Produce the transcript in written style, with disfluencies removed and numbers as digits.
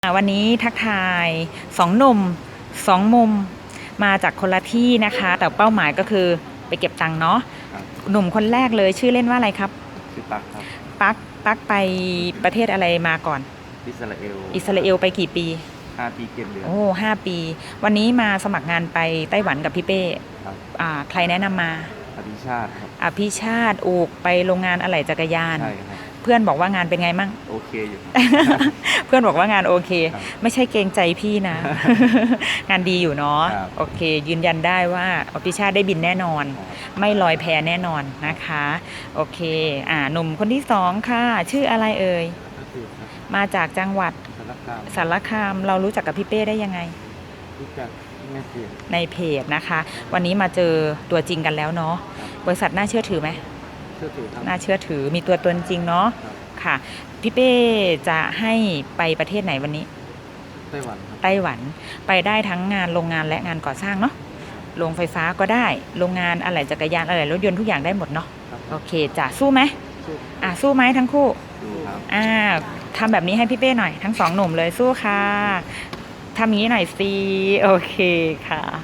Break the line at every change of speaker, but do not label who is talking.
วันนี้ทักทาย2หนุ่ม2มุมมาจากคนละที่นะคะแต่เป้าหมายก็คือไปเก็บตังค์เนาะหนุ่มคนแรกเลยชื่อเล่นว่าอะไรครับ
ชื่อปักครับ
ปักไปประเทศอะไรมาก่อน
อิสรา
เอลไปกี่ปี
5 ปี7 เดือน
โอ้5 ปีวันนี้มาสมัครงานไปไต้หวันกับพี่เป้ใครแนะนำมา
อภิชาติครับ
อภิชาติไปโรงงานอะไหล่จักรยาน
ใช่ครับ
เพื่อนบอกว่างานเป็นไงมั่ง
โอเคอยู่
เพื่อนบอกว่างานโอเคไม่ใช่เกรงใจพี่นะ งานดีอยู่เนาะโอเคยืนยันได้ว่าอภิชาติได้บินแน่นอนไม่ลอยแพแน่นอนนะคะโอเคหนุ่มคนที่2ค่ะชื่ออะไรเอ่ยมาจากจังหวัดสารคามเรารู้จักกับพี่เป้ได้ยังไง
รู้จัก
ในเพจนะคะวันนี้มาเจอตัวจริงกันแล้วเนาะบริษัทน่าเชื่อถือไหมน่าเชื่อถือมีตัวตนจริงเนาะค่ะพี่เป้จะให้ไปประเทศไหนวันนี้
ไต้หวัน
ไปได้ทั้งงานโรงงานและงานก่อสร้างเนาะโรงไฟฟ้าก็ได้โรงงานอะไหล่จักรยานอะไหล่รถยนต์ทุกอย่างได้หมดเนาะโอเคจะสู้ไหมสู้ไหมทั้งคู่ทำแบบนี้ให้พี่เป้หน่อยทั้ง2หนุ่มเลยสู้ค่ะทำอย่างนี้หน่อยสิโอเคค่ะ